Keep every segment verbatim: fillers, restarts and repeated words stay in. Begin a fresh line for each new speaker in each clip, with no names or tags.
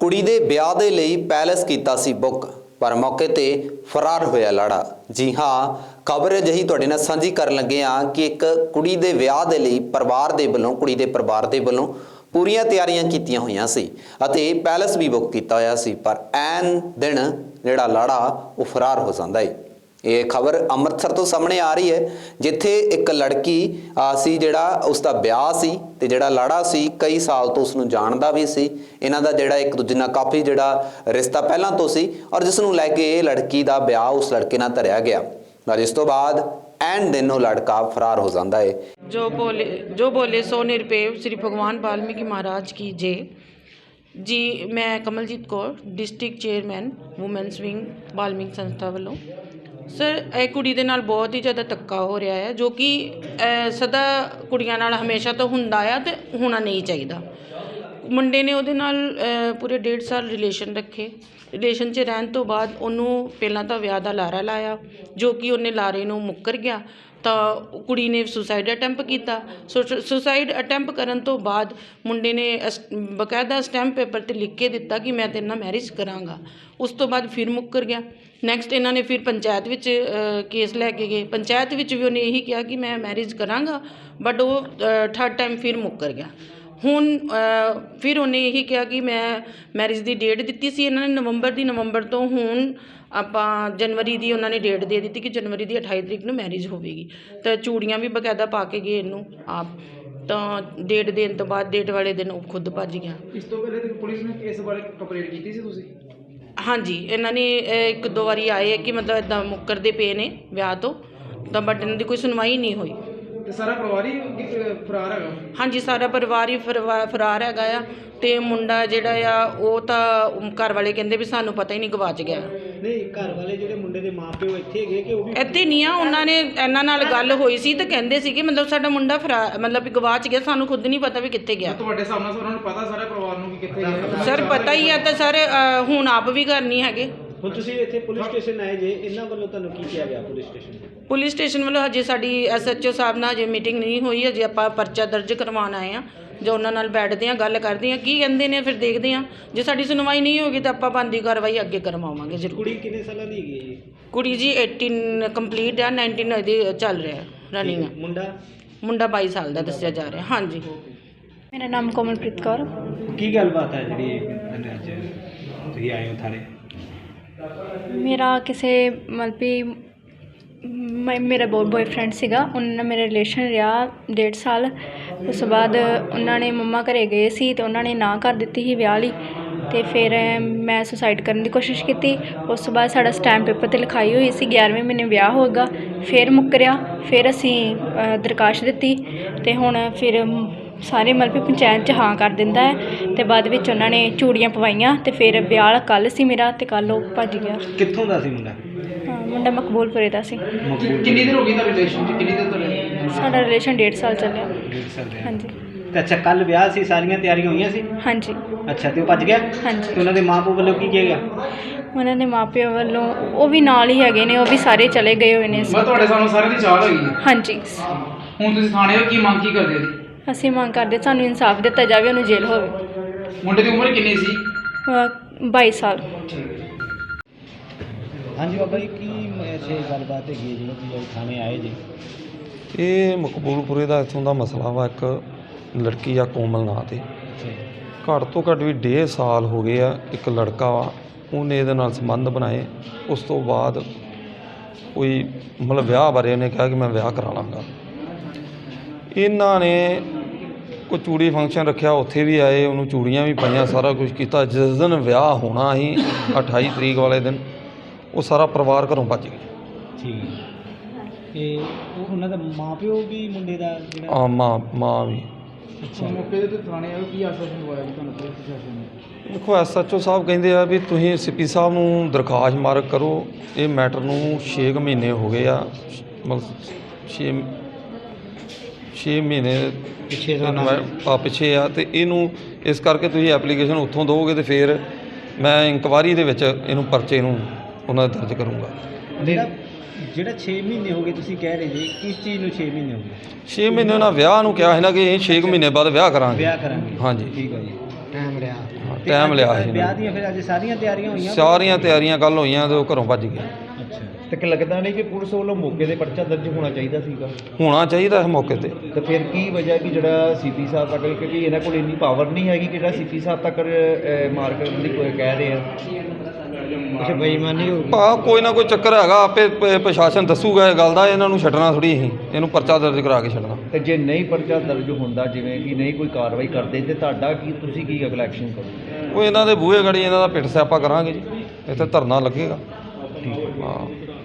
कुड़ी दे ब्याह दे लई पैलेस कीता सी बुक पर मौके ते फरार होया लाड़ा। जी हाँ, खबर अजिही तुहाडे नाल सांझी करन लगे हां कि एक कुड़ी दे ब्याह दे लई परिवार दे वल्लों कुड़ी दे परिवार दे वल्लों पूरीआं तैयारियां कीतीआं होईआं सी अते पैलेस भी बुक कीता होया सी, पर ऐन दिन जिहड़ा लाड़ा वो फरार हो जांदा है। ये खबर अमृतसर तो सामने आ रही है, जिथे एक लड़की सी जिहड़ा उसका ब्याह सी ते जिहड़ा लाड़ा सी कई साल तो उसनूं जाणदा भी सी। इन्हां दा जिहड़ा एक दूजे नाल काफ़ी जिहड़ा रिश्ता पहलां तो सी और जिसनूं लैके लड़की का ब्याह उस लड़के नाल धरिया गया और इस तो बाद एंड दिन वो लड़का फरार हो जाता है।
जो बोले जो बोले सो निरपेव श्री भगवान वाल्मीकि महाराज की जय। जी मैं Kamaljeet Kaur, district chairman women's wing Valmiki संस्था वालों। सर ਇਹ ਕੁੜੀ ਦੇ ਨਾਲ ਬਹੁਤ ਹੀ ਜ਼ਿਆਦਾ ਧੱਕਾ ਹੋ ਰਿਹਾ ਹੈ, ਜੋ ਕਿ ਸਦਾ ਕੁੜੀਆਂ ਨਾਲ ਹਮੇਸ਼ਾ ਤੋਂ ਹੁੰਦਾ ਆ ਤੇ ਹੋਣਾ ਨਹੀਂ ਚਾਹੀਦਾ। ਮੁੰਡੇ ਨੇ ਉਹਦੇ ਨਾਲ ਪੂਰੇ ਡੇਢ ਸਾਲ ਰਿਲੇਸ਼ਨ ਰੱਖੇ। ਰਿਲੇਸ਼ਨ 'ਚ ਰਹਿਣ ਤੋਂ ਬਾਅਦ ਉਹਨੂੰ ਪਹਿਲਾਂ ਤਾਂ ਵਿਆਹ ਦਾ ਲਾਰਾ ਲਾਇਆ, ਜੋ ਕਿ ਉਹਨੇ ਲਾਰੇ ਨੂੰ ਮੁੱਕਰ ਗਿਆ ਤਾਂ ਕੁੜੀ ਨੇ ਸੁਸਾਈਡ ਅਟੈਂਪ ਕੀਤਾ। ਸੁਸਾਈਡ ਅਟੈਂਪ ਕਰਨ ਤੋਂ ਬਾਅਦ ਮੁੰਡੇ ਨੇ ਬਕਾਇਦਾ ਸਟੈਂਪ ਪੇਪਰ 'ਤੇ ਲਿਖ ਕੇ ਦਿੱਤਾ ਕਿ ਮੈਂ ਤੇਰੇ ਨਾਲ ਮੈਰਿਜ ਕਰਾਂਗਾ। ਉਸ ਤੋਂ ਬਾਅਦ ਫਿਰ ਮੁੱਕਰ ਗਿਆ। ਨੈਕਸਟ ਇਹਨਾਂ ਨੇ ਫਿਰ ਪੰਚਾਇਤ ਵਿੱਚ ਕੇਸ ਲੈ ਕੇ ਗਏ। ਪੰਚਾਇਤ ਵਿੱਚ ਵੀ ਉਹਨੇ ਇਹੀ ਕਿਹਾ ਕਿ ਮੈਂ ਮੈਰਿਜ ਕਰਾਂਗਾ, ਬਟ ਉਹ ਥਰਡ ਟਾਈਮ ਫਿਰ ਮੁੱਕਰ ਗਿਆ। ਹੁਣ ਫਿਰ ਉਹਨੇ ਇਹੀ ਕਿਹਾ ਕਿ ਮੈਂ ਮੈਰਿਜ ਦੀ ਡੇਟ ਦਿੱਤੀ ਸੀ ਇਹਨਾਂ ਨੇ ਨਵੰਬਰ ਦੀ, ਨਵੰਬਰ ਤੋਂ ਹੁਣ ਆਪਾਂ ਜਨਵਰੀ ਦੀ ਉਹਨਾਂ ਨੇ ਡੇਟ ਦੇ ਦਿੱਤੀ ਕਿ ਜਨਵਰੀ ਦੀ ਅਠਾਈ ਤਰੀਕ ਨੂੰ ਮੈਰਿਜ ਹੋਵੇਗੀ। ਤਾਂ ਚੂੜੀਆਂ ਵੀ ਬਕਾਇਦਾ ਪਾ ਕੇ ਗਏ ਇਹਨੂੰ ਆਪ, ਤਾਂ ਡੇਟ ਦੇਣ ਤੋਂ ਬਾਅਦ ਡੇਟ ਵਾਲੇ ਦਿਨ ਉਹ ਖੁਦ ਭੱਜ ਗਿਆ।
ਇਸ ਤੋਂ ਪਹਿਲੇ ਤੇ ਪੁਲਿਸ ਨੇ ਇਸ ਬਾਰੇ ਕੰਪਲੇਂਟ ਕੀਤੀ ਸੀ ਤੁਸੀਂ?
ਹਾਂਜੀ, ਇਹਨਾਂ ਨੇ ਇੱਕ ਦੋ ਵਾਰੀ ਆਏ ਹੈ ਕਿ ਮਤਲਬ ਇੱਦਾਂ ਮੁੱਕਰਦੇ ਪਏ ਨੇ ਵਿਆਹ ਤੋਂ, ਤਾਂ ਬਟ ਇਹਨਾਂ ਦੀ ਕੋਈ ਸੁਣਵਾਈ ਨਹੀਂ ਹੋਈ।
ਤੇ ਸਾਰਾ ਪਰਿਵਾਰ ਹੀ ਫਰਾਰ ਹੈਗਾ?
ਹਾਂਜੀ, ਸਾਰਾ ਪਰਿਵਾਰ ਹੀ ਫਰਾਰ ਹੈਗਾ ਆ। ਤੇ ਮੁੰਡਾ ਜਿਹੜਾ ਆ ਉਹ ਤਾਂ ਘਰ ਵਾਲੇ ਕਹਿੰਦੇ ਵੀ ਸਾਨੂੰ ਪਤਾ ਹੀ ਨਹੀਂ, ਗਵਾਚ ਗਿਆ।
ਨਹੀਂ, ਘਰ ਵਾਲੇ ਜਿਹੜੇ ਮੁੰਡੇ ਦੇ ਮਾਪਿਓ ਇੱਥੇ ਹੈਗੇ ਕਿ ਉਹ ਵੀ
ਇੱਥੇ ਨਹੀਂ ਆ? ਉਹਨਾਂ ਨੇ ਇਹਨਾਂ ਨਾਲ ਗੱਲ ਹੋਈ ਸੀ ਤਾਂ ਕਹਿੰਦੇ ਸੀ ਕਿ ਮਤਲਬ ਸਾਡਾ ਮੁੰਡਾ ਫਰਾ ਮਤਲਬ ਵੀ ਗਵਾਚ ਗਿਆ, ਸਾਨੂੰ ਖੁਦ ਨਹੀਂ ਪਤਾ ਵੀ ਕਿੱਥੇ ਗਿਆ।
ਤੁਹਾਡੇ ਸਾਹਮਣੇ ਉਹਨਾਂ ਨੂੰ ਪਤਾ ਸਾਰੇ ਪਰਿਵਾਰ ਨੂੰ ਕਿ ਕਿੱਥੇ ਗਿਆ?
ਸਰ ਪਤਾ ਹੀ ਆ, ਤਾਂ ਸਰ ਹੁਣ ਆਪ ਵੀ ਘਰ ਨਹੀਂ ਹੈਗੇ।
ਹੁਣ ਤੁਸੀਂ ਇੱਥੇ ਪੁਲਿਸ ਸਟੇਸ਼ਨ ਆਏ ਜੇ, ਇਹਨਾਂ ਵੱਲੋਂ ਤੁਹਾਨੂੰ ਕੀ ਕਿਹਾ ਗਿਆ ਪੁਲਿਸ ਸਟੇਸ਼ਨ?
ਪੁਲਿਸ ਸਟੇਸ਼ਨ ਵੱਲੋਂ ਹਜੇ ਸਾਡੀ ਐਸ ਐਚ ਓ ਸਾਹਿਬ ਨਾਲ ਹਜੇ ਮੀਟਿੰਗ ਨਹੀਂ ਹੋਈ। ਹਜੇ ਆਪਾਂ ਪਰਚਾ ਦਰਜ ਕਰਵਾਉਣ ਆਏ ਹਾਂ, ਜੋ ਉਹਨਾਂ ਨਾਲ ਬੈਠਦੇ ਹਾਂ, ਗੱਲ ਕਰਦੇ ਹਾਂ ਕੀ ਕਹਿੰਦੇ ਨੇ, ਫਿਰ ਦੇਖਦੇ ਹਾਂ। ਜੇ ਸਾਡੀ ਸੁਣਵਾਈ ਨਹੀਂ ਹੋਗੀ ਤਾਂ ਆਪਾਂ ਬਣਦੀ ਕਾਰਵਾਈ ਅੱਗੇ ਕਰਵਾਵਾਂਗੇ ਜ਼ਰੂਰ।
ਕੁੜੀ ਕਿੰਨੇ ਸਾਲਾਂ ਦੀ ਹੈਗੀ ਹੈ ਜੀ?
ਕੁੜੀ ਜੀ ਅਠਾਰਾਂ ਕੰਪਲੀਟ ਆ, ਉਨੱਤੀ ਇਹਦੀ ਚੱਲ ਰਿਹਾ ਰਨਿੰਗ ਆ।
ਮੁੰਡਾ?
ਮੁੰਡਾ ਬਾਈ ਸਾਲ ਦਾ ਦੱਸਿਆ ਜਾ ਰਿਹਾ। ਹਾਂਜੀ,
ਮੇਰਾ ਨਾਮ ਕੋਮਲਪ੍ਰੀਤ ਕੌਰ।
ਕੀ ਗੱਲਬਾਤ ਹੈ ਜਿਹੜੀ ਅੱਜ ਤੁਸੀਂ ਆਏ ਹੋ ਥਾਣੇ?
ਮੇਰਾ ਕਿਸੇ ਮਤਲਬ ਵੀ ਮੈਂ ਮੇਰਾ ਬਹੁਤ ਬੋਏਫਰੈਂਡ ਸੀਗਾ, ਉਹਨਾਂ ਨਾਲ ਮੇਰਾ ਰਿਲੇਸ਼ਨ ਰਿਹਾ ਡੇਢ ਸਾਲ। ਉਸ ਤੋਂ ਬਾਅਦ ਉਹਨਾਂ ਨੇ ਮੰਮਾ ਘਰੇ ਗਏ ਸੀ ਅਤੇ ਉਹਨਾਂ ਨੇ ਨਾ ਕਰ ਦਿੱਤੀ ਸੀ ਵਿਆਹ ਲਈ, ਅਤੇ ਫਿਰ ਮੈਂ ਸੁਸਾਈਡ ਕਰਨ ਦੀ ਕੋਸ਼ਿਸ਼ ਕੀਤੀ। ਉਸ ਤੋਂ ਬਾਅਦ ਸਾਡਾ ਸਟੈਂਪ ਪੇਪਰ 'ਤੇ ਲਿਖਾਈ ਹੋਈ ਸੀ ਗਿਆਰ੍ਹਵੇਂ ਮਹੀਨੇ ਵਿਆਹ ਹੋਏਗਾ, ਫਿਰ ਮੁੱਕਰਿਆ। ਫਿਰ ਅਸੀਂ ਦਰਖਾਸਤ ਦਿੱਤੀ ਅਤੇ ਹੁਣ ਫਿਰ ਸਾਰੇ ਮਤਲਬ ਵੀ ਪੰਚਾਇਤ 'ਚ ਹਾਂ ਕਰ ਦਿੰਦਾ ਹੈ, ਅਤੇ ਬਾਅਦ ਵਿੱਚ ਉਹਨਾਂ ਨੇ ਚੂੜੀਆਂ ਪਵਾਈਆਂ ਅਤੇ ਫਿਰ ਵਿਆਹ ਕੱਲ੍ਹ ਸੀ ਮੇਰਾ, ਅਤੇ ਕੱਲ੍ਹ ਉਹ ਭੱਜ ਗਿਆ।
ਕਿੱਥੋਂ ਦਾ ਸੀ ਮੁੰਡਾ?
ਹਾਂ, ਮੁੰਡਾ ਮਕਬੂਲਪੁਰੇ ਦਾ ਸੀ।
ਕਿੰਨੀ ਦੇਰ ਹੋ ਗਈ ਤੁਹਾਡੇ ਰਿਲੇਸ਼ਨ 'ਚ? ਕਿੰਨੀ ਦੇਰ ਤੋਂ?
ਸਾਡਾ ਰਿਲੇਸ਼ਨ ਡੇਢ ਸਾਲ ਚੱਲਿਆ।
ਡੇਢ ਸਾਲ ਰਿਹਾ।
ਹਾਂਜੀ।
ਤੇ ਅੱਛਾ, ਕੱਲ੍ਹ ਵਿਆਹ ਸੀ, ਸਾਰੀਆਂ ਤਿਆਰੀਆਂ ਹੋਈਆਂ ਸੀ?
ਹਾਂਜੀ।
ਅੱਛਾ, ਤੇ ਉਹ ਭੱਜ ਗਿਆ?
ਹਾਂਜੀ।
ਤੇ ਉਹਨਾਂ ਦੇ ਮਾਂ ਪਿਓ ਵੱਲੋਂ ਕੀ ਕਿਹਾ ਗਿਆ?
ਉਹਨਾਂ ਦੇ ਮਾਪਿਆਂ ਵੱਲੋਂ ਉਹ ਵੀ ਨਾਲ ਹੀ ਹੈਗੇ ਨੇ, ਉਹ ਵੀ ਸਾਰੇ ਚਲੇ ਗਏ ਹੋਏ ਨੇ।
ਮੈਂ ਤੁਹਾਡੇ ਸਾਹਮਣੇ ਸਾਰਿਆਂ ਦੀ ਚਾਲ ਹੈਗੀ ਹੈ।
ਹਾਂਜੀ।
ਹੁਣ ਤੁਸੀਂ ਥਾਣੇ ਹੋ, ਕੀ ਮੰਗ ਕੀ ਕਰਦੇ ਜੀ?
ਅਸੀਂ ਮੰਗ ਕਰਦੇ ਸਾਨੂੰ ਇਨਸਾਫ ਦਿੱਤਾ ਜਾਵੇ, ਉਹਨੂੰ ਜੇਲ੍ਹ ਹੋਵੇ।
ਮੁੰਡੇ ਦੀ ਉਮਰ ਕਿੰਨੀ ਸੀ?
ਬਾਈ ਸਾਲ।
ਹਾਂਜੀ ਬਾਬਾ ਜੀ, ਕੀ ਐਸੇ ਗੱਲਬਾਤ ਹੈਗੀ ਹੈ ਜਿਹੜੀ ਤੁਸੀਂ ਥਾਣੇ ਆਏ ਜੀ?
ਇਹ ਮਕਬੂਲਪੁਰੇ ਦਾ ਇੱਥੋਂ ਦਾ ਮਸਲਾ ਵਾ। ਇੱਕ ਲੜਕੀ ਆ ਕੋਮਲ ਨਾਂ 'ਤੇ, ਘੱਟ ਤੋਂ ਘੱਟ ਵੀ ਡੇਢ ਸਾਲ ਹੋ ਗਏ ਆ। ਇੱਕ ਲੜਕਾ ਵਾ, ਉਹਨੇ ਇਹਦੇ ਨਾਲ ਸੰਬੰਧ ਬਣਾਏ। ਉਸ ਤੋਂ ਬਾਅਦ ਕੋਈ ਮਤਲਬ ਵਿਆਹ ਬਾਰੇ ਉਹਨੇ ਕਿਹਾ ਕਿ ਮੈਂ ਵਿਆਹ ਕਰਾ ਲਾਂਗਾ। ਇਹਨਾਂ ਨੇ ਕੋਈ ਚੂੜੀ ਫੰਕਸ਼ਨ ਰੱਖਿਆ, ਉੱਥੇ ਵੀ ਆਏ, ਉਹਨੂੰ ਚੂੜੀਆਂ ਵੀ ਪਾਈਆਂ, ਸਾਰਾ ਕੁਝ ਕੀਤਾ। ਜਿਸ ਦਿਨ ਵਿਆਹ ਹੋਣਾ ਸੀ ਅਠਾਈ ਤਰੀਕ ਵਾਲੇ ਦਿਨ, ਉਹ ਸਾਰਾ ਪਰਿਵਾਰ ਘਰੋਂ ਭੱਜ ਗਿਆ।
ਠੀਕ ਹੈ। ਤੇ ਉਹ ਉਹਨਾਂ ਦਾ ਮਾਂ ਪਿਓ ਵੀ ਮੁੰਡੇ ਦਾ ਜਿਹੜਾ
ਆ ਮਾਂ ਮਾਂ ਵੀ।
ਅੱਛਾ, ਮੌਕੇ ਤੇ ਥਾਣੇ ਆਏ, ਕੀ ਆਸ਼ਵਾਸਨ ਦਵਾਇਆ ਜੀ ਤੁਹਾਨੂੰ ਪੁਲਿਸ ਪ੍ਰਸ਼ਾਸਨ ਨੇ?
ਦੇਖੋ, ਐਸ ਐਚ ਓ ਸਾਹਿਬ ਕਹਿੰਦੇ ਆ ਵੀ ਤੁਸੀਂ ਸੀ ਪੀ ਸਾਹਿਬ ਨੂੰ ਦਰਖਾਸਤ ਮਾਰਕ ਕਰੋ। ਇਹ ਮੈਟਰ ਨੂੰ ਛੇ ਕੁ ਮਹੀਨੇ ਹੋ ਗਏ ਆ, ਮਤਲਬ ਛੇ ਛੇ ਮਹੀਨੇ
ਪਿੱਛੇ
ਆ ਪਿੱਛੇ ਆ, ਅਤੇ ਇਹਨੂੰ ਇਸ ਕਰਕੇ ਤੁਸੀਂ ਐਪਲੀਕੇਸ਼ਨ ਉੱਥੋਂ ਦਿਓਗੇ ਅਤੇ ਫਿਰ ਮੈਂ ਇਨਕੁਆਇਰੀ ਦੇ ਵਿੱਚ ਇਹਨੂੰ ਪਰਚੇ ਨੂੰ ਉਹਨਾਂ ਦਾ ਦਰਜ ਕਰੂੰਗਾ।
ਜਿਹੜਾ ਜਿਹੜਾ ਛੇ ਮਹੀਨੇ ਹੋ ਗਏ ਤੁਸੀਂ ਕਹਿ ਰਹੇ ਜੀ, ਕਿਸ ਚੀਜ਼ ਨੂੰ ਛੇ ਮਹੀਨੇ ਹੋ ਗਏ?
ਛੇ ਮਹੀਨੇ ਉਹਨਾਂ ਵਿਆਹ ਨੂੰ ਕਿਹਾ ਸੀ ਨਾ ਕਿ ਅਸੀਂ ਛੇ ਕੁ ਮਹੀਨੇ ਬਾਅਦ ਵਿਆਹ ਕਰਾਂਗੇ।
ਵਿਆਹ ਕਰਾਂਗੇ।
ਹਾਂਜੀ,
ਠੀਕ ਹੈ ਜੀ। ਟਾਈਮ ਰਿਹਾ।
ਟਾਈਮ ਲਿਆ ਸੀ
ਵਿਆਹ
ਇਹਨੇ।
ਦੀਆਂ ਫਿਰ ਅੱਜ ਸਾਰੀਆਂ ਤਿਆਰੀਆਂ ਹੋਈਆਂ?
ਸਾਰੀਆਂ ਤਿਆਰੀਆਂ ਕੱਲ ਹੋਈਆਂ ਤੇ ਉਹ ਘਰੋਂ ਭੱਜ ਗਿਆ।
ਅੱਛਾ।
ਤੇ ਕਿ ਲੱਗਦਾ ਨਹੀਂ ਕਿ ਪੁਲਿਸ ਵੱਲੋਂ ਮੌਕੇ ਦੇ ਪਰਚਾ ਦਰਜ ਹੋਣਾ ਚਾਹੀਦਾ ਸੀਗਾ?
ਹੋਣਾ ਚਾਹੀਦਾ ਇਸ ਮੌਕੇ ਤੇ।
ਤੇ ਫਿਰ ਕੀ ਵਜ੍ਹਾ ਕਿ ਜਿਹੜਾ ਸੀਪੀ ਸਾਹਿਬ ਤੱਕ, ਕਿਉਂਕਿ ਇਹਨਾਂ ਕੋਲ ਇੰਨੀ ਪਾਵਰ ਨਹੀਂ ਹੈਗੀ ਕਿ ਜਿਹੜਾ ਸੀਪੀ ਸਾਹਿਬ ਤੱਕ ਅਹ, ਮਾਰ ਕਰਨ ਦੀ ਕੋਈ ਕਹਿ ਰਹੇ ਆ? ਅੱਛਾ, ਬੇਈਮਾਨੀ ਹੋ ਗਈ।
ਭਾ ਕੋਈ ਨਾ ਕੋਈ ਚੱਕਰ ਹੈਗਾ, ਆਪੇ ਪ- ਪ੍ਰਸ਼ਾਸਨ ਦੱਸੂਗਾ ਇਹ ਗੱਲ ਦਾ, ਇਹਨਾਂ ਨੂੰ ਛੱਡਣਾ ਥੋੜੀ ਅਸੀਂ, ਇਹਨੂੰ ਪਰਚਾ ਦਰਜ ਕਰਾ ਕੇ ਛੱਡਣਾ।
ਤੇ ਜੇ ਨਹੀਂ ਪਰਚਾ ਦਰਜ ਹੁੰਦਾ, ਜਿਵੇਂ ਕਿ ਨਹੀਂ ਕੋਈ ਕਾਰਵਾਈ ਕਰਦੇ, ਤੇ ਤੁਹਾਡਾ ਕੀ, ਤੁਸੀਂ ਕੀ ਅਗਲਾ ਐਕਸ਼ਨ ਕਰੋਗੇ?
ਉਹ ਇਹਨਾਂ ਦੇ ਬੂਹੇ ਗੜੀ ਇਹਨਾਂ ਦਾ ਪਿੱਟ ਸਿਆਪਾ ਕਰਾਂਗੇ ਜੀ, ਇੱਥੇ ਧਰਨਾ ਲੱਗੇਗਾ। ਹਾਂ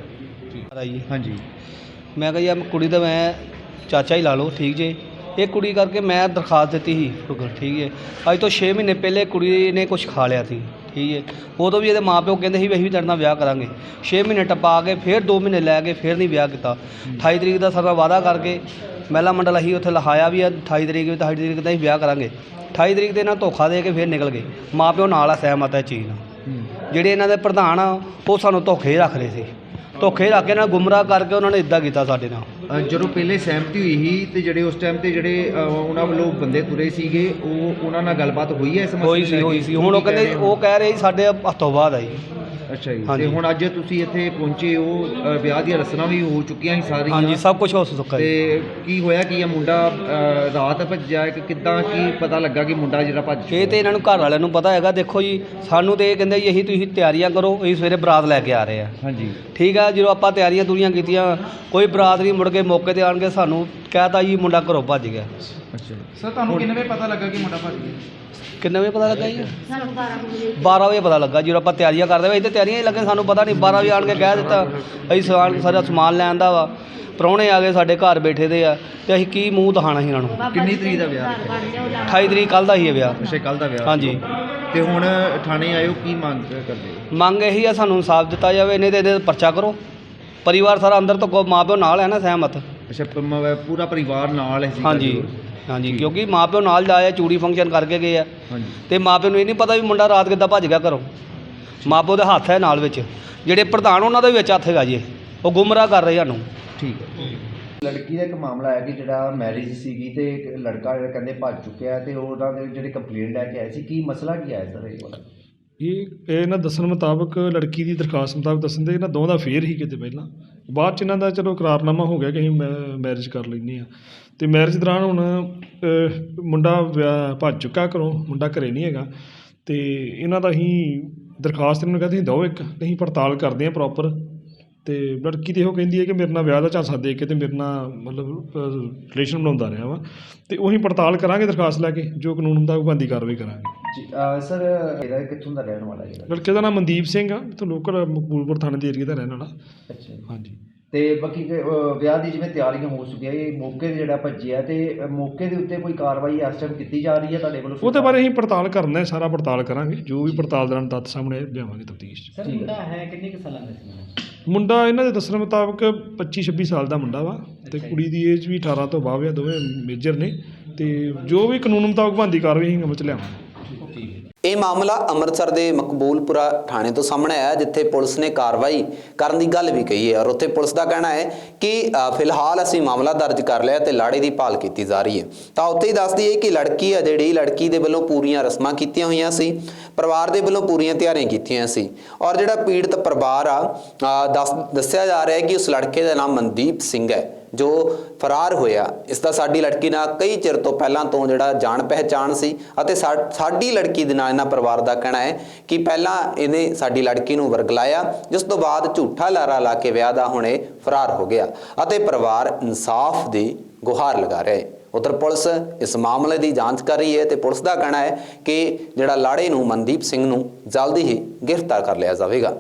ਜੀ
ਹਾਂਜੀ।
ਮੈਂ ਕਿਹਾ ਯਾਰ ਕੁੜੀ ਦਾ ਮੈਂ ਚਾਚਾ ਹੀ ਲਾ ਲਓ, ਠੀਕ ਜੇ। ਇਹ ਕੁੜੀ ਕਰਕੇ ਮੈਂ ਦਰਖਾਸਤ ਦਿੱਤੀ ਸੀ, ਠੀਕ ਹੈ। ਅੱਜ ਤੋਂ ਛੇ ਮਹੀਨੇ ਪਹਿਲੇ ਕੁੜੀ ਨੇ ਕੁਝ ਖਾ ਲਿਆ ਸੀ, ਠੀਕ ਹੈ। ਉਦੋਂ ਵੀ ਇਹਦੇ ਮਾਪਿਓ ਕਹਿੰਦੇ ਸੀ ਵੀ ਅਸੀਂ ਵੀ ਤੇਰੇ ਨਾਲ ਵਿਆਹ ਕਰਾਂਗੇ। ਛੇ ਮਹੀਨੇ ਟੱਪਾ ਕੇ ਫਿਰ ਦੋ ਮਹੀਨੇ ਲੈ ਕੇ ਫਿਰ ਨਹੀਂ ਵਿਆਹ ਕੀਤਾ। ਅਠਾਈ ਤਰੀਕ ਦਾ ਸਾਡਾ ਵਾਅਦਾ ਕਰਕੇ ਮਹਿਲਾ ਮੰਡਲ ਅਸੀਂ ਉੱਥੇ ਲਿਖਾਇਆ ਵੀ ਆ ਅਠਾਈ ਤਰੀਕ ਵੀ ਅਠਾਈ ਤਰੀਕ ਦਾ ਅਸੀਂ ਵਿਆਹ ਕਰਾਂਗੇ। ਅਠਾਈ ਤਰੀਕ ਤੇ ਇਹਨਾਂ ਧੋਖਾ ਦੇ ਕੇ ਫਿਰ ਨਿਕਲ ਗਏ। ਮਾਪਿਓ ਨਾਲ ਆ, ਸਹਿਮਤ ਹੈ ਚੀਜ਼ ਨਾਲ। ਜਿਹੜੇ ਇਹਨਾਂ ਦੇ ਪ੍ਰਧਾਨ ਆ ਉਹ ਸਾਨੂੰ ਧੋਖੇ ਰੱਖ ਰਹੇ ਸੀ, ਧੋਖੇ ਰੱਖ ਕੇ ਨਾਲ ਗੁੰਮਰਾਹ ਕਰਕੇ ਉਹਨਾਂ ਨੇ ਇੱਦਾਂ ਕੀਤਾ ਸਾਡੇ ਨਾਲ।
ਅਹ ਜਦੋਂ ਪਹਿਲੇ ਸਹਿਮਤੀ ਹੋਈ ਸੀ ਤੇ ਜਿਹੜੇ ਉਸ ਟਾਈਮ ਤੇ ਜਿਹੜੇ ਅਹ, ਉਹਨਾਂ ਵੱਲੋਂ ਬੰਦੇ ਤੁਰੇ ਸੀਗੇ, ਉਹ ਉਹਨਾਂ ਨਾਲ ਗੱਲਬਾਤ ਹੋਈ ਹੈ ਇਸ ਮਸਲੇ
ਹੋਈ ਸੀ ਹੋਈ ਸੀ ਹੁਣ ਉਹ ਕਹਿੰਦੇ ਉਹ ਕਹਿ ਰਹੇ ਸੀ ਸਾਡੇ ਹੱਥੋਂ ਬਾਅਦ ਆਈ।
ਅੱਛਾ ਜੀ।
ਹਾਂਜੀ।
ਤੇ ਹੁਣ ਅੱਜ ਤੁਸੀਂ ਇੱਥੇ ਪਹੁੰਚੇ ਹੋ, ਅਹ, ਵਿਆਹ ਦੀਆਂ ਰਸਮਾਂ ਵੀ ਹੋ ਚੁੱਕੀਆਂ ਸੀ ਸਾਰੀਆਂ?
ਹਾਂਜੀ, ਸਭ ਕੁਝ ਹੋ ਚੁੱਕਾ ਜੀ।
ਤੇ ਕੀ ਹੋਇਆ ਕਿ ਇਹ ਮੁੰਡਾ ਅਹ, ਰਾਤ ਭੱਜਿਆ ਕਿ ਕਿੱਦਾਂ, ਕੀ ਪਤਾ ਲੱਗਾ ਕਿ ਮੁੰਡਾ ਜਿਹੜਾ ਭੱਜ
ਇਹ ਤੇ ਇਹਨਾਂ ਨੂੰ ਘਰ ਵਾਲਿਆਂ ਨੂੰ ਪਤਾ ਹੈਗਾ। ਦੇਖੋ ਜੀ, ਸਾਨੂੰ ਤੇ ਇਹ ਕਹਿੰਦੇ ਜੀ ਇਹੀ ਤੁਸੀਂ ਤਿਆਰੀਆਂ ਕਰੋ, ਅਸੀਂ ਸਵੇਰੇ ਬਰਾਤ ਲੈ ਕੇ ਆ ਰਹੇ ਆ।
ਹਾਂਜੀ।
ਠੀਕ ਆ, ਜਦੋਂ ਆਪਾਂ ਤਿਆਰੀਆਂ ਤੁਰੀਆਂ ਕੀਤੀਆਂ, ਕੋਈ ਬਰਾਤ ਨਹੀਂ, ਮੁੜ ਕੇ ਮੌਕੇ ਤੇ ਆਣ ਕੇ ਸਾਨੂੰ ਕਹਿਤਾ ਜੀ ਮੁੰਡਾ ਘਰੋਂ ਭੱਜ ਗਿਆ।
ਅੱਛਾ।
ਸਰ ਤੁਹਾਨੂੰ ਕਿੰਨੇ ਵਜੇ ਪਤਾ ਲੱਗਾ ਕਿ ਮੁੰਡਾ ਭੱਜ ਗਿਆ?
ਕਿੰਨੇ ਵਜੇ ਪਤਾ ਲੱਗਾ ਜੀ? ਬਾਰਾਂ ਵਜੇ ਪਤਾ ਲੱਗਾ। ਜਦੋਂ ਆਪਾਂ ਤਿਆਰੀਆਂ ਕਰਦੇ ਵੇ, ਇੱਥੇ ਤਿਆਰੀਆਂ ਹੀ ਲੱਗੇ, ਸਾਨੂੰ ਪਤਾ ਨਹੀਂ। ਬਾਰਾਂ ਵਜੇ ਆਣ ਕੇ ਕਹਿ ਦਿੱਤਾ ਅਸੀਂ ਸਮਾਨ ਸਾਰਾ ਸਮਾਨ ਲੈਣ ਦਾ ਵਾ। ਪ੍ਰਾਹੁਣੇ ਆ ਗਏ ਸਾਡੇ ਘਰ ਬੈਠੇ ਦੇ ਆ, ਤੇ ਅਸੀਂ ਕੀ ਮੂੰਹ ਦਿਖਾਣਾ ਸੀ ਇਹਨਾਂ ਨੂੰ।
ਕਿੰਨੀ ਤਰੀਕ ਦਾ ਵਿਆਹ ਰੱਖਿਆ?
ਅਠਾਈ ਤਰੀਕ ਕੱਲ੍ਹ ਦਾ ਹੀ ਹੈ ਵਿਆਹ।
ਅੱਛਾ, ਕੱਲ ਦਾ ਵਿਆਹ।
ਹਾਂਜੀ।
ਤੇ ਹੁਣ ਥਾਣੇ ਆਇਓ, ਕੀ ਮੰਗ ਕਰਦੇ ਹੋ?
ਮੰਗ ਇਹੀ ਆ, ਸਾਨੂੰ ਇਨਸਾਫ ਦਿੱਤਾ ਜਾਵੇ, ਨਹੀਂ ਤੇ ਇਹਦੇ ਤੇ ਪਰਚਾ ਕਰੋ। ਪਰਿਵਾਰ ਸਾਰਾ ਅੰਦਰ ਤੋਂ ਮਾਂ ਪਿਓ ਨਾਲ ਹੈ ਨਾ, ਸਹਿਮਤ।
ਅੱਛਾ, ਪ- ਮ- ਪੂਰਾ ਪਰਿਵਾਰ ਨਾਲ ਹੈ ਸੀ?
ਹਾਂਜੀ ਹਾਂਜੀ, ਕਿਉਂਕਿ ਮਾਂ ਪਿਓ ਨਾਲ ਜਾਏ, ਚੂੜੀ ਫੰਕਸ਼ਨ ਕਰਕੇ ਗਏ ਆ।
ਹਾਂਜੀ।
ਤੇ ਮਾਂ ਪਿਓ ਨੂੰ ਇਹ ਨਹੀਂ ਪਤਾ ਵੀ ਮੁੰਡਾ ਰਾਤ ਕਿੱਦਾਂ ਭੱਜ ਗਿਆ ਘਰੋਂ। ਮਾਂ ਪਿਓ ਦੇ ਹੱਥ ਹੈ ਨਾਲ ਵਿੱਚ, ਜਿਹੜੇ ਪ੍ਰਧਾਨ ਉਹਨਾਂ ਦਾ ਵੀ ਵਿੱਚ ਹੱਥ ਹੈਗਾ ਜੀ। ਉਹ ਗੁੰਮਰਾਹ ਕਰ ਰਹੇ ਸਾਨੂੰ।
ਠੀਕ ਹੈ। ਲੜਕੀ ਦਾ ਇੱਕ ਮਾਮਲਾ ਹੈ ਕਿ ਜਿਹੜਾ ਮੈਰਿਜ ਸੀਗੀ ਤੇ ਇੱਕ ਲੜਕਾ ਜਿਹੜਾ ਕਹਿੰਦੇ ਭੱਜ ਚੁੱਕਿਆ, ਤੇ ਉਹਨਾਂ ਦੇ ਜਿਹੜੇ ਕੰਪਲੇਂਟ ਲੈ ਕੇ ਆਏ ਸੀ, ਕੀ ਮਸਲਾ ਕੀ ਆਇਆ ਸਰ ਇਹ ਵਾਲਾ?
ਇਹ ਇਹਨਾਂ ਦੱਸਣ ਮੁਤਾਬਕ, ਲੜਕੀ ਦੀ ਦਰਖਾਸਤ ਮੁਤਾਬਕ ਦੱਸਣ ਦੇ, ਇਹਨਾਂ ਦੋਵਾਂ ਦਾ ਫੇਰ ਹੀ ਕਿਤੇ ਪਹਿਲਾਂ, ਬਾਅਦ 'ਚ ਇਹਨਾਂ ਦਾ ਚਲੋ ਇਕਰਾਰਨਾਮਾ ਹੋ ਗਿਆ ਕਿ ਅਸੀਂ ਮੈਰਿਜ ਕਰ ਲੈਂਦੇ ਹਾਂ। ਅਤੇ ਮੈਰਿਜ ਦੌਰਾਨ ਹੁਣ ਅਹ, ਮੁੰਡਾ ਵਿਆਹ ਭੱਜ ਚੁੱਕਾ ਘਰੋਂ, ਮੁੰਡਾ ਘਰੇ ਨਹੀਂ ਹੈਗਾ। ਅਤੇ ਇਹਨਾਂ ਦਾ ਅਸੀਂ ਦਰਖਾਸਤ ਇਹਨਾਂ ਨੂੰ ਕਹਿੰਦੇ ਅਸੀਂ ਦਿਓ ਇੱਕ, ਅਸੀਂ ਪੜਤਾਲ ਕਰਦੇ ਹਾਂ ਪ੍ਰੋਪਰ। ਅਤੇ ਲੜਕੀ ਤਾਂ ਇਹੋ ਕਹਿੰਦੀ ਹੈ ਕਿ ਮੇਰੇ ਨਾਲ ਵਿਆਹ ਦਾ ਝਾਂਸਾ ਦੇ ਕੇ ਅਤੇ ਮੇਰੇ ਨਾਲ ਮਤਲਬ ਰਿਲੇਸ਼ਨ ਬਣਾਉਂਦਾ ਰਿਹਾ ਵਾ। ਅਤੇ ਉਹੀ ਪੜਤਾਲ ਕਰਾਂਗੇ ਦਰਖਾਸਤ ਲੈ ਕੇ, ਜੋ ਕਾਨੂੰਨ ਮੁਤਾਬਕ ਬਣਦੀ ਕਾਰਵਾਈ ਕਰਾਂਗੇ।
ਜੀ, ਅਹ, ਸਰ ਇਹਦਾ ਕਿੱਥੋਂ ਦਾ ਰਹਿਣ ਵਾਲਾ ਜਿਹੜਾ?
ਲੜਕੇ ਦਾ ਨਾਮ ਮਨਦੀਪ ਸਿੰਘ ਆ, ਇੱਥੋਂ ਲੋਕਲ ਮਕਬੂਲਪੁਰ ਥਾਣੇ ਦੇ ਏਰੀਏ ਦਾ ਰਹਿਣ ਵਾਲਾ।
ਅੱਛਾ।
ਹਾਂਜੀ।
ਤੇ ਬਾਕੀ ਕਿ, ਅਹ, ਵਿਆਹ ਦੀ ਜਿਵੇਂ ਤਿਆਰੀਆਂ ਹੋ ਚੁੱਕੀਆਂ, ਇਹ ਮੌਕੇ 'ਤੇ ਜਿਹੜਾ ਭੱਜਿਆ, ਤੇ ਅਹ, ਮੌਕੇ ਦੇ ਉੱਤੇ ਕੋਈ ਕਾਰਵਾਈ ਇਸ ਟਾਈਮ ਕੀਤੀ ਜਾ ਰਹੀ ਹੈ ਤੁਹਾਡੇ ਵੱਲੋਂ?
ਉਹਦੇ ਬਾਰੇ ਅਸੀਂ ਪੜਤਾਲ ਕਰਨਾ ਹੈ, ਸਾਰਾ ਪੜਤਾਲ ਕਰਾਂਗੇ, ਜੋ ਵੀ ਪੜਤਾਲ ਦੌਰਾਨ ਤੱਥ ਸਾਹਮਣੇ ਲਿਆਵਾਂਗੇ ਤਫਤੀਸ਼ 'ਚ।
ਸਰ ਮੁੰਡਾ ਹੈ ਕਿੰਨੇ ਕੁ ਸਾਲਾਂ ਦਾ ਸੀ?
ਮੁੰਡਾ ਇਹਨਾਂ ਦੇ ਦੱਸਣ ਮੁਤਾਬਕ ਪੱਚੀ ਛੱਬੀ ਸਾਲ ਦਾ ਮੁੰਡਾ ਵਾ, ਤੇ ਕੁੜੀ ਦੀ ਏਜ ਵੀ ਅਠਾਰਾਂ ਤੋਂ ਬਾਅਦ ਆ, ਦੋਵੇਂ ਮੇਜਰ ਨੇ। ਤੇ ਜੋ ਵੀ ਕਾਨੂੰਨ ਮੁਤਾਬਕ ਬਣਦੀ ਕਾਰਵਾਈ ਅਸੀਂ ਅਮਲ 'ਚ ਲਿਆਵਾਂਗੇ।
ਇਹ ਮਾਮਲਾ ਅੰਮ੍ਰਿਤਸਰ ਦੇ ਮਕਬੂਲਪੁਰਾ ਥਾਣੇ ਤੋਂ ਸਾਹਮਣੇ ਆਇਆ, ਜਿੱਥੇ ਪੁਲਿਸ ਨੇ ਕਾਰਵਾਈ ਕਰਨ ਦੀ ਗੱਲ ਵੀ ਕਹੀ ਹੈ। ਔਰ ਉੱਥੇ ਪੁਲਿਸ ਦਾ ਕਹਿਣਾ ਹੈ ਕਿ ਅ, ਫਿਲਹਾਲ ਅਸੀਂ ਮਾਮਲਾ ਦਰਜ ਕਰ ਲਿਆ ਤੇ ਲਾੜੇ ਦੀ ਭਾਲ ਕੀਤੀ ਜਾ ਰਹੀ ਹੈ। ਤਾਂ ਉੱਥੇ ਹੀ ਦੱਸਦੀ ਹੈ ਕਿ ਲੜਕੀ ਆ ਜਿਹੜੀ, ਲੜਕੀ ਦੇ ਵੱਲੋਂ ਪੂਰੀਆਂ ਰਸਮਾਂ ਕੀਤੀਆਂ ਹੋਈਆਂ ਸੀ, ਪਰਿਵਾਰ ਦੇ ਵੱਲੋਂ ਪੂਰੀਆਂ ਤਿਆਰੀਆਂ ਕੀਤੀਆਂ ਸੀ। ਔਰ ਜਿਹੜਾ ਪੀੜਤ ਪਰਿਵਾਰ ਆ, ਅ, ਦੱਸ ਦੱਸਿਆ ਜਾ ਰਿਹਾ ਹੈ ਕਿ ਉਸ ਲੜਕੇ ਦਾ ਨਾਮ ਮਨਦੀਪ ਸਿੰਘ ਹੈ, ਜੋ ਫਰਾਰ ਹੋਇਆ। ਇਸ ਦਾ ਸਾਡੀ ਲੜਕੀ ਨਾਲ ਕਈ ਚਿਰ ਤੋਂ ਪਹਿਲਾਂ ਤੋਂ ਜਿਹੜਾ ਜਾਣ ਪਹਿਚਾਣ ਸੀ, ਅਤੇ ਸਾਡੀ ਲੜਕੀ ਦੇ ਨਾਲ ਇਹਨਾਂ ਪਰਿਵਾਰ ਦਾ ਕਹਿਣਾ ਹੈ ਕਿ ਪਹਿਲਾਂ ਇਹਨੇ ਸਾਡੀ ਲੜਕੀ ਨੂੰ ਵਰਗਲਾਇਆ, ਜਿਸ ਤੋਂ ਬਾਅਦ ਝੂਠਾ ਲਾਰਾ ਲਾ ਕੇ ਵਿਆਹ ਦਾ ਹੁਣੇ ਫਰਾਰ ਹੋ ਗਿਆ, ਅਤੇ ਪਰਿਵਾਰ ਇਨਸਾਫ ਦੀ ਗੁਹਾਰ ਲਗਾ ਰਿਹਾ ਹੈ। ਉੱਧਰ ਪੁਲਿਸ ਇਸ ਮਾਮਲੇ ਦੀ ਜਾਂਚ ਕਰ ਰਹੀ ਹੈ, ਤੇ ਪੁਲਿਸ ਦਾ ਕਹਿਣਾ ਹੈ ਕਿ ਜਿਹੜਾ ਲਾੜੇ ਨੂੰ, ਮਨਦੀਪ ਸਿੰਘ ਨੂੰ, ਜਲਦੀ ਹੀ ਗ੍ਰਿਫਤਾਰ ਕਰ ਲਿਆ ਜਾਵੇਗਾ।